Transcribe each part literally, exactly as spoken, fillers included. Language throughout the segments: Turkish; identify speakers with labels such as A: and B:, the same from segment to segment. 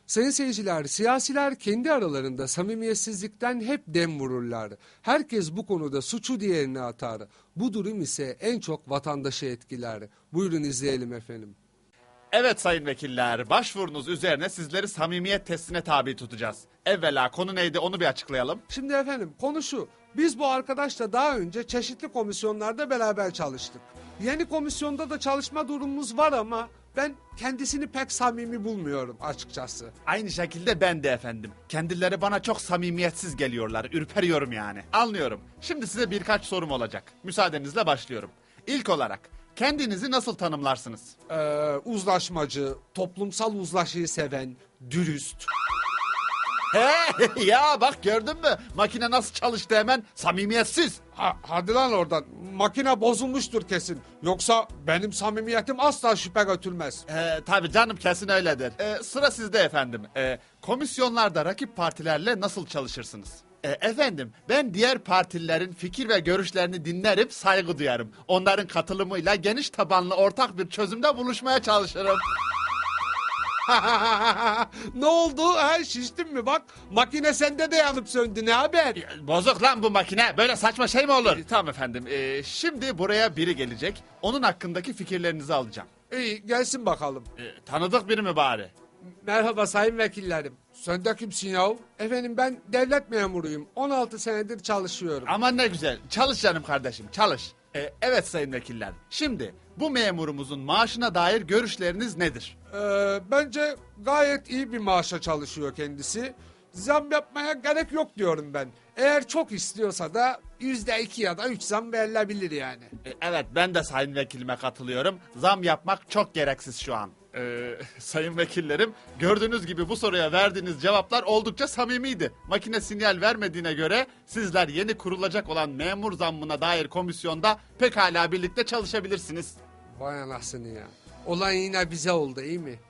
A: Sayın seyirciler, siyasiler kendi aralarında samimiyetsizlikten hep dem vururlar. Herkes bu konuda suçu diğerine atar. Bu durum ise en çok vatandaşı etkiler. Buyurun izleyelim efendim.
B: Evet sayın vekiller, başvurunuz üzerine sizleri samimiyet testine tabi tutacağız. Evvela konu neydi onu bir açıklayalım.
A: Şimdi efendim konu şu. Biz bu arkadaşla daha önce çeşitli komisyonlarda beraber çalıştık. Yeni komisyonda da çalışma durumumuz var ama ben kendisini pek samimi bulmuyorum açıkçası.
B: Aynı şekilde ben de efendim. Kendileri bana çok samimiyetsiz geliyorlar, ürperiyorum yani. Anlıyorum. Şimdi size birkaç sorum olacak. Müsaadenizle başlıyorum. İlk olarak kendinizi nasıl tanımlarsınız?
A: Ee, uzlaşmacı, toplumsal uzlaşıyı seven, dürüst.
B: He ya bak gördün mü? Makine nasıl çalıştı hemen? Samimiyetsiz.
A: Ha, hadi lan oradan. Makine bozulmuştur kesin. Yoksa benim samimiyetim asla şüphe götürmez.
B: Ee, tabii canım kesin öyledir. Ee, sıra sizde efendim. Ee, komisyonlarda rakip partilerle nasıl çalışırsınız? Ee, efendim ben diğer partilerin fikir ve görüşlerini dinlerim, saygı duyarım. Onların katılımıyla geniş tabanlı ortak bir çözümde buluşmaya çalışırım.
A: Ne oldu? Ha, şiştin mi? Bak makine sende de yanıp söndü. Ne haber?
B: Bozuk lan bu makine. Böyle saçma şey mi olur? Ee, tamam efendim. Ee, şimdi buraya biri gelecek. Onun hakkındaki fikirlerinizi alacağım.
A: İyi gelsin bakalım.
B: Ee, tanıdık biri mi bari?
A: Merhaba sayın vekillerim. Sen de kimsin yahu? Efendim ben devlet memuruyum. on altı senedir çalışıyorum.
B: Aman ne güzel. Çalış canım kardeşim, çalış. Ee, evet sayın vekiller. Şimdi bu memurumuzun maaşına dair görüşleriniz nedir?
A: Ee, bence gayet iyi bir maaşa çalışıyor kendisi. Zam yapmaya gerek yok diyorum ben. Eğer çok istiyorsa da yüzde iki ya da üç zam verilebilir yani.
B: Ee, evet ben de sayın vekilime katılıyorum. Zam yapmak çok gereksiz şu an. Ee, sayın vekillerim gördüğünüz gibi bu soruya verdiğiniz cevaplar oldukça samimiydi. Makine sinyal vermediğine göre sizler yeni kurulacak olan memur zammına dair komisyonda pekala birlikte çalışabilirsiniz.
A: Vay anasını ya. Olan yine bize oldu iyi mi?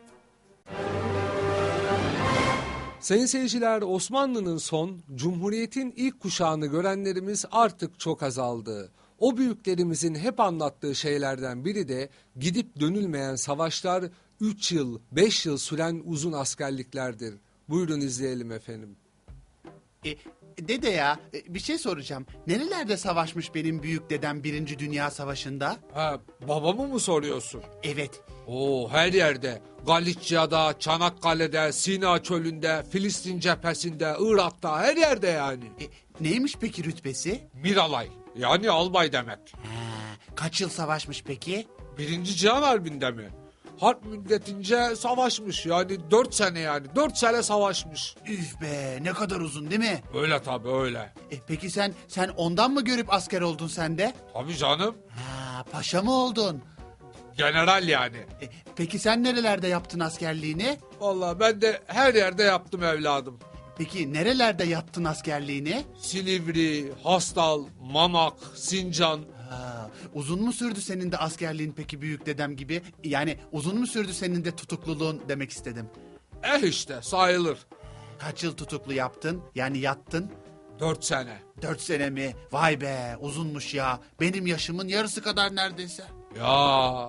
A: Sayın seyirciler, Osmanlı'nın son, Cumhuriyet'in ilk kuşağını görenlerimiz artık çok azaldı. O büyüklerimizin hep anlattığı şeylerden biri de gidip dönülmeyen savaşlar üç yıl, beş yıl süren uzun askerliklerdir. Buyurun izleyelim efendim.
C: E, dede ya e, bir şey soracağım. Nerelerde savaşmış benim büyük dedem Birinci Dünya Savaşı'nda?
A: Ha, babamı mı soruyorsun?
C: Evet.
A: Oo, her yerde. Galicia'da, Çanakkale'de, Sina Çölü'nde, Filistin cephesinde, Irak'ta, her yerde yani.
C: E, neymiş peki rütbesi?
A: Miralay, yani albay demek.
C: Ha, kaç yıl savaşmış peki?
A: Birinci Cihan Harbi'nde mi? Harp müddetince savaşmış yani dört sene yani dört sene savaşmış.
C: Üf be, ne kadar uzun değil mi?
A: Öyle tabii öyle.
C: E, peki sen sen ondan mı görüp asker oldun sen de?
A: Tabii canım,
C: Ha, paşa mı oldun?
A: general yani.
C: E, peki sen nerelerde yaptın askerliğini?
A: Vallahi ben de her yerde yaptım evladım.
C: Peki nerelerde yaptın askerliğini?
A: Silivri, Hastal, Mamak, Sincan.
C: Ha, uzun mu sürdü senin de askerliğin peki büyük dedem gibi? Yani uzun mu sürdü senin de tutukluluğun demek istedim.
A: Eh işte sayılır.
C: Kaç yıl tutuklu yaptın? Yani yattın?
A: Dört sene.
C: Dört sene mi? Vay be, uzunmuş ya. Benim yaşımın yarısı kadar neredeyse.
A: Ya.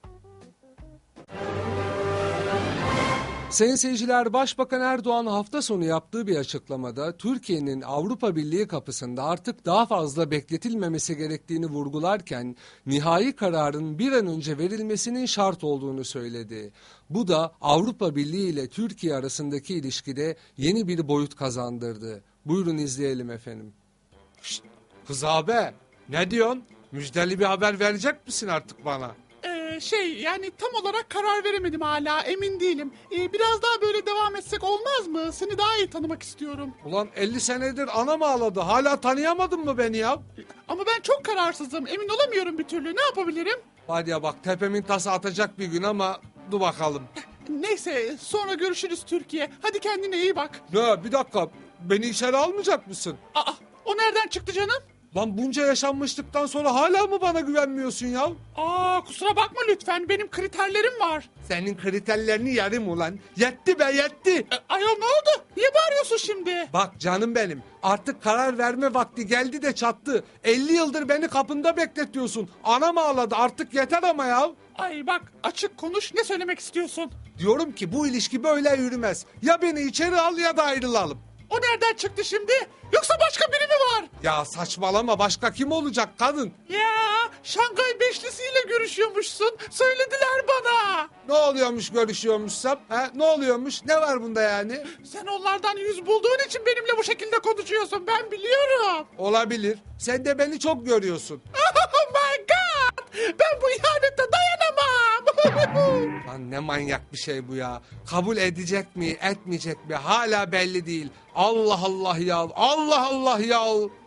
A: Sayın seyirciler, Başbakan Erdoğan hafta sonu yaptığı bir açıklamada Türkiye'nin Avrupa Birliği kapısında artık daha fazla bekletilmemesi gerektiğini vurgularken nihai kararın bir an önce verilmesinin şart olduğunu söyledi. Bu da Avrupa Birliği ile Türkiye arasındaki ilişkide yeni bir boyut kazandırdı. Buyurun izleyelim efendim. Şşt, kız abi ne diyorsun? Müjdeli bir haber verecek misin artık bana?
D: Ee, şey yani tam olarak karar veremedim hala, emin değilim. Ee, biraz daha böyle devam etsek olmaz mı? Seni daha iyi tanımak istiyorum.
A: Ulan elli senedir anam ağladı. Hala tanıyamadın mı beni ya?
D: Ama ben çok kararsızım, emin olamıyorum bir türlü. Ne yapabilirim?
A: Hadi ya bak tepemin tası atacak bir gün ama dur bakalım.
D: Neyse, sonra görüşürüz Türkiye. Hadi kendine iyi bak.
A: Ne bir dakika beni içeri almayacak mısın?
D: Aa, o nereden çıktı canım?
A: Lan bunca yaşanmışlıktan sonra hala mı bana güvenmiyorsun ya?
D: Aa, kusura bakma lütfen, benim kriterlerim var.
A: Senin kriterlerini yarım ulan. Yetti be yetti.
D: E, ayol ne oldu? Niye bağırıyorsun şimdi?
A: Bak canım benim artık karar verme vakti geldi de çattı. elli yıldır beni kapında bekletiyorsun. Anam ağladı artık yeter ama ya.
D: Ay bak, açık konuş, ne söylemek istiyorsun?
A: Diyorum ki bu ilişki böyle yürümez. Ya beni içeri al ya da ayrılalım.
D: O nereden çıktı şimdi? Yoksa başka biri mi var?
A: Ya saçmalama, başka kim olacak kadın?
D: Ya Şangay Beşlisi'yle görüşüyormuşsun. Söylediler bana.
A: Ne oluyormuş görüşüyormuşsam? Ha? Ne oluyormuş? Ne var bunda yani?
D: Sen onlardan yüz bulduğun için benimle bu şekilde konuşuyorsun. Ben biliyorum.
A: Olabilir. Sen de beni çok görüyorsun.
D: Oh my god. Ben bu ihanete dayanamam.
A: Lan ne manyak bir şey bu ya. Kabul edecek mi, etmeyecek mi hala belli değil. Allah Allah ya. Allah Allah ya.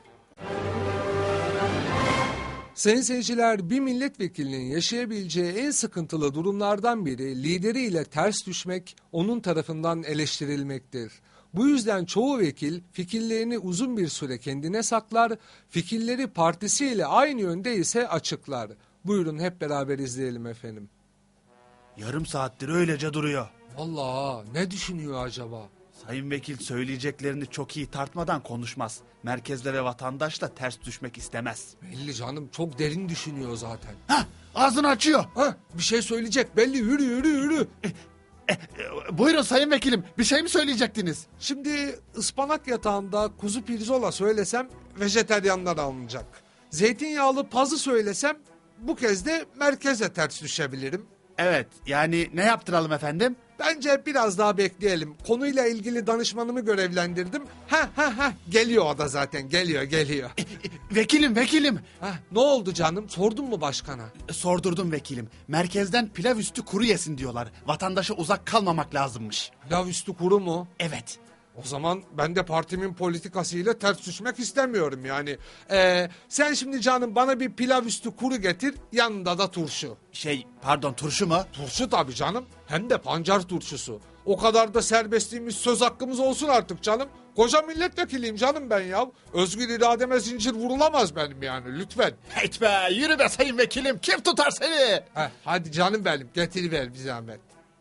A: Sayın seyirciler, bir milletvekilinin yaşayabileceği en sıkıntılı durumlardan biri lideriyle ters düşmek, onun tarafından eleştirilmektir. Bu yüzden çoğu vekil fikirlerini uzun bir süre kendine saklar, fikirleri partisiyle aynı yönde ise açıklar. Buyurun hep beraber izleyelim efendim.
B: Yarım saattir öylece duruyor.
A: Vallahi ne düşünüyor acaba?
B: Sayın vekil söyleyeceklerini çok iyi tartmadan konuşmaz. Merkezle ve vatandaşla ters düşmek istemez.
A: Belli canım, çok derin düşünüyor zaten.
B: Hah, ağzını açıyor.
A: Ha, bir şey söyleyecek belli, yürü yürü yürü.
B: E, buyurun sayın vekilim, bir şey mi söyleyecektiniz?
A: Şimdi ıspanak yatağında kuzu pirzola söylesem vejeteryanlar alınacak. Zeytinyağlı pazı söylesem bu kez de merkeze ters düşebilirim.
B: Evet, yani ne yaptıralım efendim?
A: Bence biraz daha bekleyelim. Konuyla ilgili danışmanımı görevlendirdim. Ha ha ha, geliyor o da zaten, geliyor geliyor.
B: Vekilim, vekilim.
A: Ha, ne oldu canım, sordun mu başkana?
B: Sordurdum vekilim. Merkezden pilav üstü kuru yesin diyorlar. Vatandaşa uzak kalmamak lazımmış.
A: Pilav üstü kuru mu?
B: Evet.
A: O zaman ben de partimin politikasıyla ters düşmek istemiyorum yani. Ee, sen şimdi canım bana bir pilav üstü kuru getir, yanında da turşu.
B: Şey, pardon, turşu mu?
A: Turşu tabii canım, hem de pancar turşusu. O kadar da serbestliğimiz, söz hakkımız olsun artık canım. Koca milletvekiliyim canım ben ya. Özgür irademe zincir vurulamaz benim yani, lütfen.
B: Heyt be, yürü be sayın vekilim, kim tutar seni?
A: Heh, hadi canım benim, getiriver bir zahmet.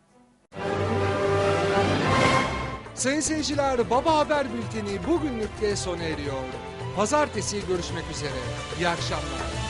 A: Sayın seyirciler, Baba Haber Bülteni bugünlük de sona eriyor. Pazartesi görüşmek üzere. İyi akşamlar.